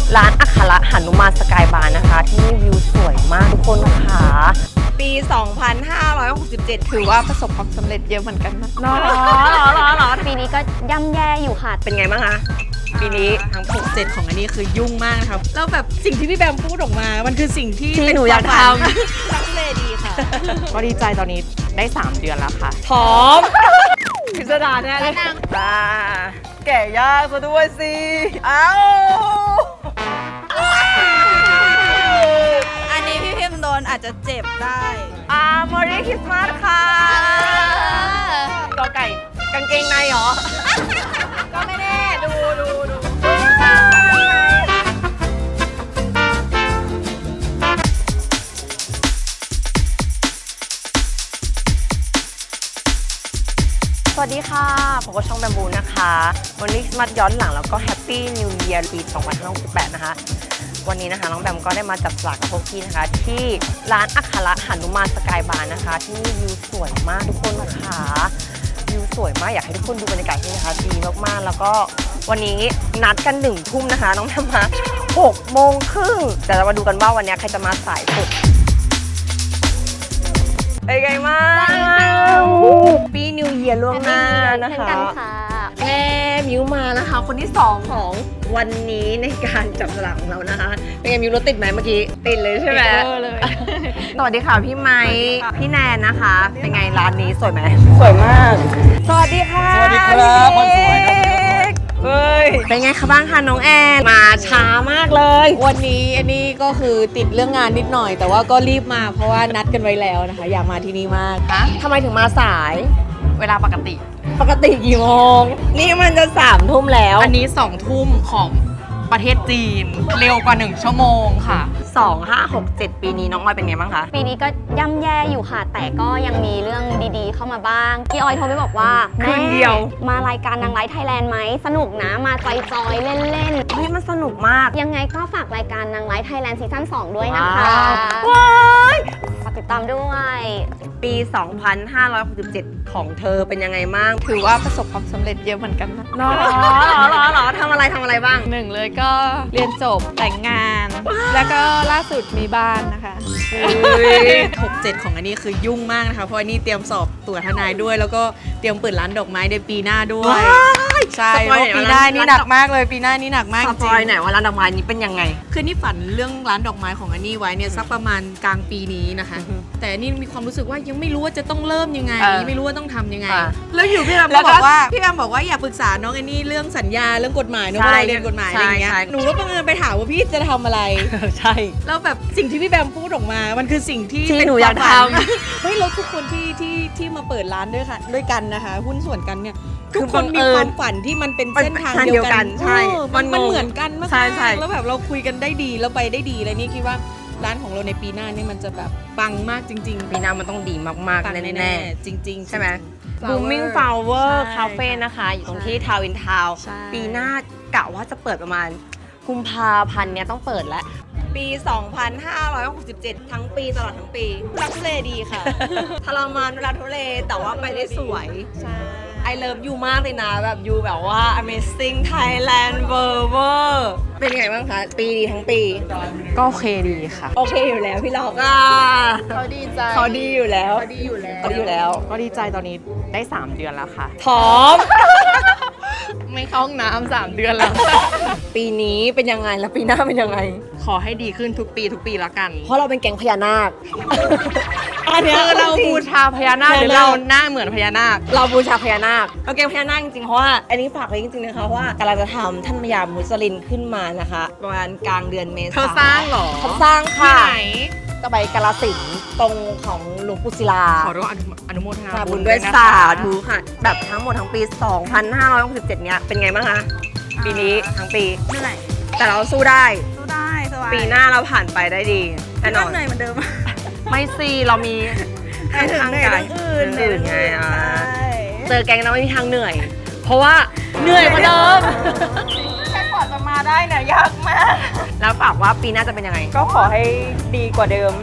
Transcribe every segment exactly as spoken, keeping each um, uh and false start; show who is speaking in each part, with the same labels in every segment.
Speaker 1: ร้านอัคระหนุมานสกายบาร์นะคะที่นี่วิวสวยมากทุกคนค่ะ
Speaker 2: ปี สองพันห้าร้อยหกสิบเจ็ด ถือว่าประสบความสำเร็จเยอะเหมือนกันนะ
Speaker 1: หรอหรอหรอหรอ
Speaker 3: ปีนี้ก็ย่ำแย่อยู่ค่ะ
Speaker 1: เป็นไงบ้างคะปีนี้
Speaker 2: ทั้งหกเจ็ดของอันนี้คือยุ่งมากนะครับแล้วแบบสิ่งที่พี่แบมพูดออกมามันคือสิ่งที่
Speaker 1: ที่หนูอยากท
Speaker 2: ำรักเลยดีค่ะ
Speaker 1: ก็ดีใจตอนนี้ได้สามเดือนแล้วค่ะพร้อมพิสดารแน่เลยจ้าแก่ยากซะด้วยสิเอ้า
Speaker 2: อันนี้พี่พิมโดนอาจจะเจ็บได้
Speaker 1: อ่า Merry Christmas ค่ะกอไก่กางเกงในเหรอ
Speaker 2: ก็ไม่แน่ดูดูดู
Speaker 1: สวัสดีค่ะผมก็ช่องแบมบูนะคะวันนี้มาย้อนหลังแล้วก็แฮปปี้นิวเยียร์ปีสองพันห้าร้อยหกสิบแปดนะคะวันนี้นะคะน้องแบมก็ได้มาจับสลากกับพวกพี่นะคะที่ร้านอัคระหนุมานสกายบาร์นะคะที่นี่วิวสวยมากทุกคนค่ะวิวสวยมากอยากให้ทุกคนดูบรรยากาศที่นี่นะคะดีมากๆแล้วก็วันนี้นัดกันหนึ่งทุ่มนะคะน้องแบมมาหกโมงครึ่งแต่เรามาดูกันว่าวันนี้ใครจะมาสายสุดเป็นไงมากปีนิวเยียร์ล่วงหน้านะคะแม่มิวมานะคะคนที่สองของวันนี้ในการจับสลากของเรานะคะเป็นไงมิวรถติดไหมเมื่อกี้ติดเลยใช่ไหม
Speaker 2: เลย
Speaker 1: สวัสดีค่ะพี่ไม้พี่แนนนะคะเป็นไงร้านนี้สวยไหม
Speaker 2: สวยมาก
Speaker 1: สวัสดีค่ะ
Speaker 4: สวัสดีครับคนสวยครับ
Speaker 1: เฮ้ยเป็นไงคะบ้างคะน้องแอนมาช้ามากเลย
Speaker 2: วันนี้อันนี้ก็คือติดเรื่องงานนิดหน่อยแต่ว่าก็รีบมาเพราะว่านัดกันไว้แล้วนะคะอยากมาที่นี่มาก
Speaker 1: ฮะทำไมถึงมาสาย
Speaker 2: เวลาปกติ
Speaker 1: ปกติกี่โมงนี่มันจะสามทุ่มแล้ว
Speaker 2: อันนี้สองทุ่มของประเทศจีนเร็วกว่าหนึ่งชั่วโมงค่ะ
Speaker 1: สอง ห้า หก เจ็ดปีนี้น้องออยเป็นไงบ้างคะ
Speaker 3: ปีนี้ก็ย่ำแย่อยู่ค่ะแต่ก็ยังมีเรื่องดีๆเข้ามาบ้างพี่ออยโทรไปบอกว่า
Speaker 1: คืนเดียว
Speaker 3: มารายการนางไลฟ์ไทยแลนด์ไหมสนุกนะมาจอยๆเล่นๆ
Speaker 1: เฮ้ยมันสนุกมาก
Speaker 3: ยังไงก็ฝากรายการนางไลฟ์ไทยแลนด์ซีซั่นสองด้วยนะคะ
Speaker 1: ว้าย
Speaker 3: ฝากติดตามด้วย
Speaker 1: ปี สองพันห้าร้อยหกสิบเจ็ด ของเธอเป็นยังไงบ้าง
Speaker 2: ถือว่าประสบความสำเร็จเยอะเหมือนกันนะ
Speaker 1: หรอหรอหรอทำอะไรทำอะไรบ้าง
Speaker 2: หนึ่งเลยก็เรียนจบแต่งงานแล้วก็ล่าสุดมีบ้านนะคะหกเจ็ดของอันนี้คือยุ่งมากนะคะเพราะอันนี้เตรียมสอบตั๋วทนายด้วยแล้วก็เตรียมเปิดร้านดอกไม้ในปีหน้าด้วยใช่เพราะปีหน้านี่หนักมากเลยปีหน้านี่หนักมากจริง
Speaker 1: สปอยไหนว่าร้านดอกไม้นี้เป็นยังไง
Speaker 2: คือนี่ฝันเรื่องร้านดอกไม้ของอันนี้ไว้เนี่ยสักประมาณกลางปีนี้นะคะแต่นี่มีความรู้สึกว่ายังไม่รู้ว่าจะต้องเริ่มยังไงไม่รู้ว่าต้องทำยังไงแล้วอยู่พี่แอมบอกว่าพี่แอมบอกว่าอย่าปรึกษาน้องอันนี้เรื่องสัญญาเรื่องกฎหมายเนาะเพราะเราเรียนกฎหมายอะไรอย่างเงี้ยหนูก็บังเอิญไปถามว่าพี่จะทำอะไร
Speaker 1: ใช่
Speaker 2: แล้วแบบสิ่งที่พี่แบมพูดออกมามันคือสิ่งที่
Speaker 1: ที่หนูอยากทำ
Speaker 2: เฮ้ยแล้วทุกคนที่ที่ที่มาเปิดร้านด้วยค่ะด้วยกันนะคะหุ้นส่วนกันเนี่ยทุกคนมีความฝันที่มันเป็นเส้นทางเดียวกัน
Speaker 1: ใช่
Speaker 2: มันมันเหมือนกันมาก
Speaker 1: ๆ
Speaker 2: แล้วแบบเราคุยกันได้ดีแล้วไปได้ดีเลยนี่คิดว่าร้านของเราในปีหน้านี่มันจะแบบปังมากจริงๆ
Speaker 1: ปีหน้ามันต้องดีมากๆแน่
Speaker 2: ๆจริงๆ
Speaker 1: ใช่ไหม Blooming Flower Cafe นะคะอยู่ตรงที่ทาวน์อินทาวน์ปีหน้ากะว่าจะเปิดประมาณกุมภาพันธ์เนี้ยต้องเปิดแล้ว
Speaker 2: ปี สองพันห้าร้อยหกสิบเจ็ด ทั้งปีตลอดทั้งปีรักทุเลดีค่ะทรมานรักทุเลแต่ว่าไปได้สวยใช่ I love you มากเลยนะแบบยูแบบว่า amazing Thailand เวอร์เวอร์เป็นไงบ้างคะปีดีทั้งปี
Speaker 4: ก็โอเคดีค่ะ
Speaker 1: โอเคอยู่แล้วพี่ล็อกอ่ะ
Speaker 2: เขาดีใจ
Speaker 1: เขาดีอยู่แล้ว
Speaker 2: เขาดีอยู่แล้ว
Speaker 1: เขาดีอยู่แล้ว
Speaker 4: ก็ดีใจตอนนี้ได้สามเดือนแล้วค่ะ
Speaker 1: พร้อม
Speaker 4: ไม่เข้าห้องน้ำสามเดือนแล้ว
Speaker 1: ปีนี้เป็นยังไงแล้วปีหน้าเป็นยังไง
Speaker 4: ขอให้ดีขึ้นทุกปีทุกปีละกัน
Speaker 1: เพราะเราเป็นแก๊งพญานาค
Speaker 4: อันนี้เราบูชาพญานาคหรือเราหน้าเหมือนพญานาค
Speaker 1: เราบูชาพญานาคเราแก๊งพญานาคจริงๆเพราะว่าอันนี้ฝากไว้จริงๆนะคะว่ากำลังจะทำท่านพญามุสลินขึ้นมานะคะประมาณกลางเดือนเมษายน
Speaker 4: เธอสร้างหรอ
Speaker 1: เขาสร้างค่ะ
Speaker 4: ที่ไหน
Speaker 1: ก็ไปกาฬสินธุ์ตรงของหลวงปู่ศิลา
Speaker 4: ขอร่วมอนุโมทนา
Speaker 1: บุญด้วยสาธุค่ะแบบทั้งหมดทั้งปี สองพันห้าร้อยหกสิบเจ็ด เนี้ยเป็นไงบ้างคะปีนี้ทั้งปี
Speaker 2: เหนื่อย
Speaker 1: แต่เราสู้ได้
Speaker 2: สู้ได้สบาย
Speaker 1: ปีหน้าเราผ่านไปได้ดี
Speaker 2: แน่นอนเหนื่อยเหมือนเดิม
Speaker 1: ไม่สิเรามี
Speaker 2: ทางกาย
Speaker 1: อื่นอื่นไงอ่ะเจอแก๊งเราไม่มีทางเหนื่อยเพราะว่าเหนื่อยกว่าเดิม
Speaker 2: แค่กว่าจะมาได้เนี่ยยากมาก
Speaker 1: แล้วฝากว่าปีหน้าจะเป็นยังไง
Speaker 2: ก็ขอให้ดีกว่าเดิม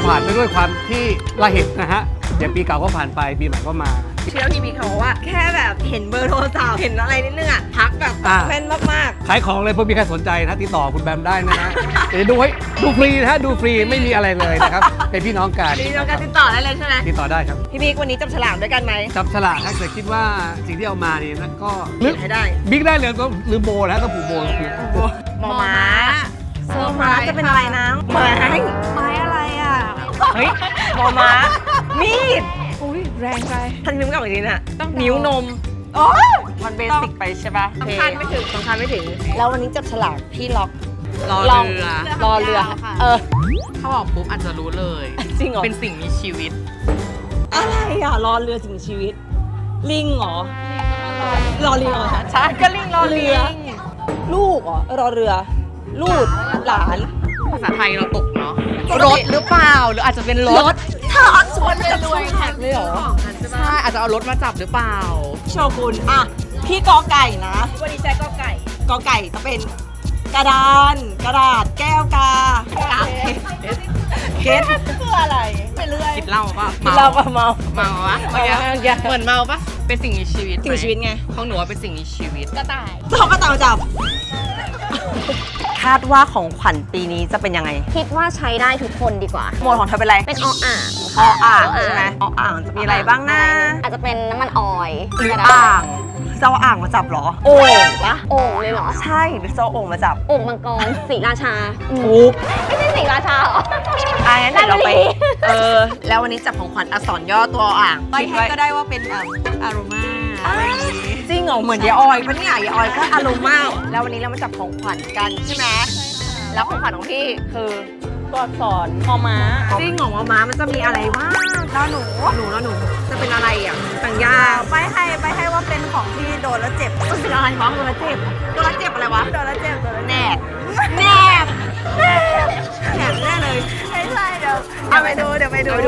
Speaker 5: ผ่านไปด้วยความที่ระเหตุนะฮะเดี๋ยวปีเก่าก็ผ่านไปปีใหม่ก็มา
Speaker 1: เชื่อพี่บิ๊กเขาบอกว่าแค่แบบเห็นเบอร์โทรศัพท์เห็นอะไรนิดนึงอ่ะทักแบบ
Speaker 5: อ่า
Speaker 1: แม่นมาก
Speaker 5: ขายของเลยเพื่อมีใครสนใจนะติดต่อคุณแบมได้นะฮะเดี๋ยวดูให้ดูฟรีนะฮะดูฟรีไม่มีอะไรเลยนะครับเป็นพี่น้องกัน
Speaker 1: ๆมีน้องการติดต่อได้เลยใช่ไหม
Speaker 5: ติดต่อได้ครับ
Speaker 1: พี่บิ๊กวันนี้จับฉลากด้วยกันไหม
Speaker 5: จับฉลากถ้าเกิดคิดว่าสิ่งที่เอามานี่นะก็
Speaker 1: เขียนให้ได้
Speaker 5: บิ๊กได้เลยก็หรือโบแล้วก็ผูกโบลงไป
Speaker 1: หมอม้าเซอร์ไพรส์จะเป็นอะไรนะไม้ไม้อะไรอ่ะเฮ้ยหมอม้ามีด
Speaker 2: อุ้ยแรงไป
Speaker 1: ท่านนิ้วกับอีกทีน่ะ
Speaker 2: ต้อง
Speaker 1: นิ้วนมโอ้มันเบสิกไปใช่ปะ
Speaker 2: สำคัญไม่ถึง
Speaker 1: สำคัญไม่ถึง แล้ววันนี้จับฉลากพี่ล็อก
Speaker 2: รอ
Speaker 1: ลอง
Speaker 2: เรือ
Speaker 1: รอเรือ เออ
Speaker 2: ถ้าบอกปุ๊บอาจจะรู้เลย
Speaker 1: จริงเหรอ
Speaker 2: เป็นสิ่งมีชีวิต
Speaker 1: อะไรอ่ะ รอเรือสิ่งมีชีวิต ลิงเหรอ รอลิงเหรอใช่ก็ลิงรอเรือ ลูกเหรอ รอเรือ ลูกหลาน
Speaker 2: ภาษาไทยเราตกเนาะ
Speaker 1: ปกติ
Speaker 2: รถหรือเปล่า หรืออาจจะเป็นรถ
Speaker 1: ถ้าชวนจะรวยแท็กเลยเหรอ
Speaker 2: ใช่อาจจะเอารถมาจับหรือเปล่า
Speaker 1: โชกุนอ่ะ พี่กอไก่นะ วันนี้ใช้กอไก่ กอไก่จะเป็นกระดาน กระดาษ แก้วกาเก็ตคืออะไรไปเรื่อย
Speaker 2: คิดเหล่าปะ
Speaker 1: กินเหล้าก็เมา
Speaker 2: เมาวะเมื่อกี้
Speaker 1: เมาเมื่อกี้
Speaker 2: เหมือนเมาปะเป็นสิ่งมีชีวิต
Speaker 1: สิ่งมีชีวิตไง
Speaker 2: ของหนูว่าเป็นสิ่งมีชีวิต
Speaker 3: กระต่าย
Speaker 1: เขาก็ตามมาจับ คาดว่าของขวัญปีนี้จะเป็นยังไง
Speaker 3: คิดว่าใช้ได้ทุกคนดีกว่า
Speaker 1: โหมดของเธอเป็นอะไร
Speaker 3: เป็นออ่าง
Speaker 1: ออ่างใช่ไหมออ่างจะมีอะไรบ้างนะ
Speaker 3: อาจจะเป็นน้ำมันออยล์
Speaker 1: หรือ
Speaker 3: ก็ได้
Speaker 1: อ่างจะเอาอ่างมาจับเหรอ โอ่งปะ
Speaker 3: โอ่งเลยเหรอ
Speaker 1: ใช่หรือจะเอาโอ่งมาจับ
Speaker 3: โอ่งมังกรสีราชาอืม
Speaker 1: ถูก
Speaker 3: ไม่ใช่สีราชาเหรอ
Speaker 1: อ่ะงั้นเดี๋ยวเราไป
Speaker 3: ได้เลย
Speaker 1: เออ แล้ววันนี้จับของขวัญอักษรย่อตัวอ่าง
Speaker 2: ไป
Speaker 1: คิด
Speaker 2: ให้
Speaker 1: ไว้
Speaker 2: ก็ได้ว่าเป็นแบบอารมา
Speaker 1: จริงเหรอเหมือนยายออยปะเนี่ยยายออยก็อารมณ์มาก แล้ววันนี้เรามาจับของขวัญกันใช่ไหมแล้วของขวัญของพี่คือตัวอักษรมอม้าจริงเหรอมอม้ามันจะมีอะไรบ้างแล้วหนูหนูแล้วหนูจะเป็นอะไรอ่ะต่างยาไปให้ไปให้ว่าเป็นของที่โดนแล้วเจ็บมันเป็นอะไรวะโดนแล้วเจ็บโดนแล้วเจ็บอะไรวะโดนแล้วเจ็บโดนแล้วแนบแนบแนบแนบแน่เลยไม่ใช่เดี๋ยวเอาไปดูเดี๋ยวไปดู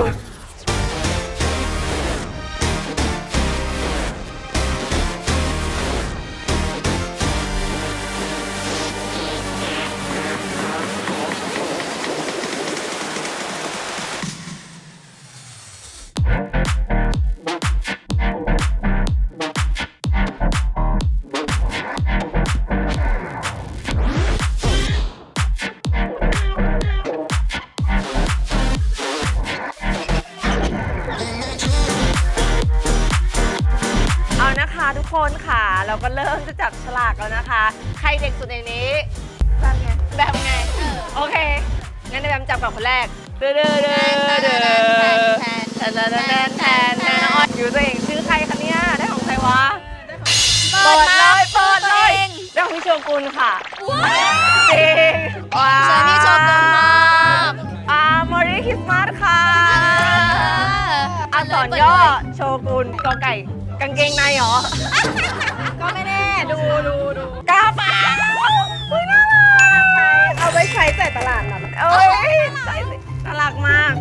Speaker 1: เอานะคะทุกคนค่ะเราก็เริ่มจะจับฉลากแล้วนะคะ ใครเด็กสุดในนี้แบบไงแบบไงโอเคงั้นเดี๋ยวแบมจับก่อนคนแรกเด้อเด้อเด้อเด้อเด้อแทนแทนแทนแทนแทนอยู่ตัวเองชื่อใครคะเนี่ยได้ของใครวะเปิดเลยเปิดเลยได้ของพี่โชกุนค่ะจริงว้าว
Speaker 3: เจอพี่โชกุนมาก
Speaker 1: อ่า Merry Christmas ค่ะอักษรย่อโชกุนกอไก่กางเกงในเหรอ ก็ไม่แน่ ดูดูดูกระเป๋าอุ้ยน่ารักเอาไว้ใช้ใส่ตลาดนะเอ้ยใส่สิน่ารักมาก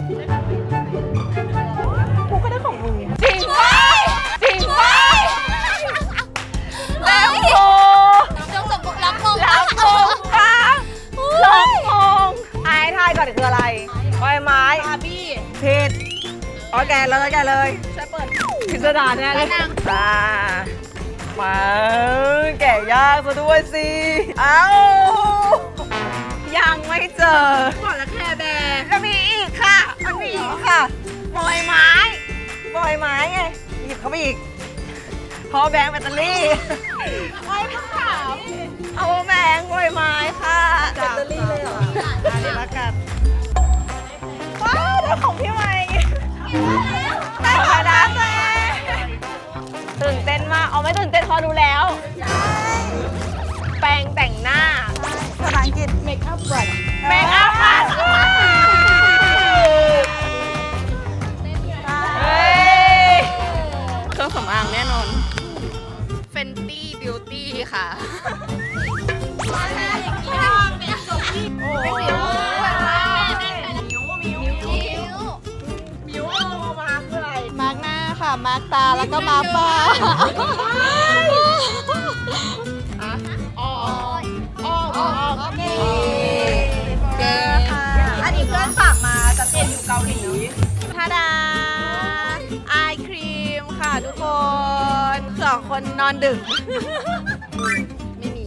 Speaker 1: กูก็ได้ของมึงจริงไหมจริงไหมแล้วโม
Speaker 3: จงสมบุกรับมง
Speaker 1: แล้วโมค่ะลองมองไอ้ทายก่อนคืออะไรใบไม้บาร์บี้ผิดโอเคเลยแกเลยใช่เปิดพิสดารแน่เลยอ่ามาแกะยากซะด้วยสิ เอ้า ยังไม่เจอบอกแล้วแค่แบร์จะมีอีกค่ะ มันมีอีกค่ะบอยไม้บอยไม้ไง หยิบเข้าไปอีกพอแบงค์แบตเตอรี่ไว้ทั้งสามเอาแบงค์บอยไม้ค่ะแบตเตอรี่เลยเหรออันนี้ละกันว้าวได้ของพี่ใหม่ได้ของน้ำเลยตื่นเต้นมาก เอาไม่ตื่นเต้นพอดูแล้ว แปรงแต่งหน้าภาษาอังกฤษ make up brush make up brush เฮ้ย
Speaker 2: เครื่องสำอางแน่นอน Fenty Beauty ค่ะ
Speaker 1: โอ้ยมิวมาคืออะไร
Speaker 2: มาร์กหน้าค่ะ มาร์กตา แล้วก็มาร์กปาก
Speaker 1: อ๋ออ๋อโอเค
Speaker 2: เก่ง
Speaker 1: อันนี้เพื่อนฝากมาจะเรียนอยู่เกาหลี
Speaker 2: คนสองคนนอนดึก ไม่มี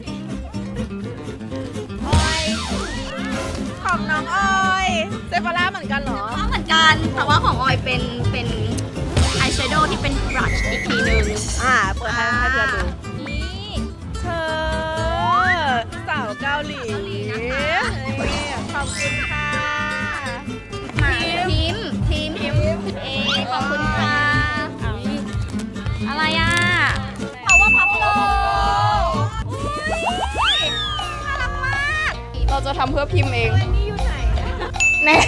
Speaker 2: ออยของน้องออยเซฟาร่าเหมือนกันเหรอ
Speaker 3: เหมือนกัน แต่ว่าของออยเป็นเป็นอายแชโดว์ที่เป็นบรัชอีกทีนึง
Speaker 2: อ่าเปิดให้ให้เพื่อนดู
Speaker 3: นี่
Speaker 2: เธอสาวเกาหลีขอบคุณค่ะ
Speaker 3: มาพิมพ์พิมพ์พิมพ์เอขอบคุณค่ะ อะไรอ่ะ power pop low น่ารักมาก
Speaker 4: เราจะทำเพื่อพิมพ์เอง
Speaker 2: แน่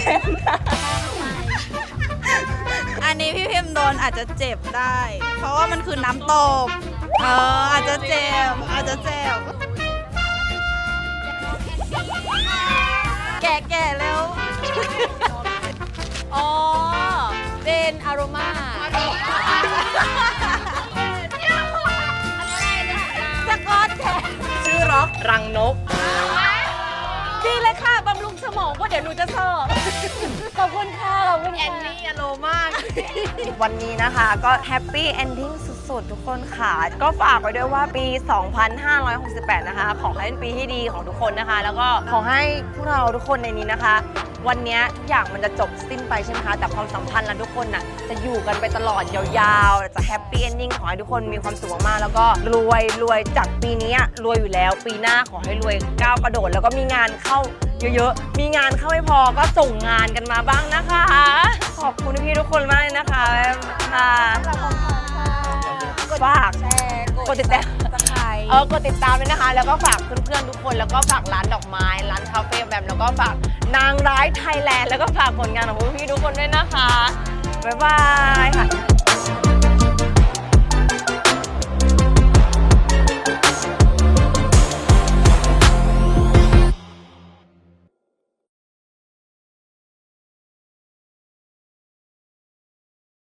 Speaker 2: อันนี้พี่พิมโดนอาจจะเจ็บได้ เพราะว่ามันคือน้ำตก เอออาจจะเจ็บ อาจจะเจ็บ แก่แก่แล้ว อ๋อ เป็นอารมาสกอตแทนชื่อร็อก
Speaker 1: รังนก
Speaker 2: ดีเลยค่ะ บำรุงสมองก็เดี๋ยวหนูจะสอบขอบคุณค่ะ ขอบคุณแอนนี่อโลมาก
Speaker 1: วันนี้นะคะก็แฮปปี้เอนดิ้งสุดๆ ทุกคนค่ะ ก็ฝากไว้ด้วยว่าปี สองพันห้าร้อยหกสิบแปด นะคะ ขอให้เป็นปีที่ดีของทุกคนนะคะ แล้วก็ขอให้พวกเราทุกคนในนี้นะคะ วันนี้ทุกอย่างมันจะจบสิ้นไปใช่ไหมคะ แต่ความสัมพันธ์และทุกคนน่ะจะอยู่กันไปตลอดยาวๆ จะแฮปปี้เอนดิ้งขอให้ทุกคนมีความสุขมากๆแล้วก็รวยรวยจากปีนี้รวยอยู่แล้ว ปีหน้าขอให้รวยก้าวกระโดด แล้วก็มีงานเข้าเยอะๆ มีงานเข้าไม่พอก็ส่งงานกันมาบ้างนะคะ ขอบคุณพี่ทุกคนมากเลยนะคะค่ะฝากกดติดตามเออกดติดตามด้วยนะคะ แล้วก็ฝากเพื่อนๆทุกคน แล้วก็ฝากร้านดอกไม้ ร้านคาเฟ่แบบแล้วก็ฝากนางร้ายไทยแลนด์ แล้วก็ฝากผลงานของพวกพี่ทุกคนด้วยนะคะ บ๊ายบายค่ะ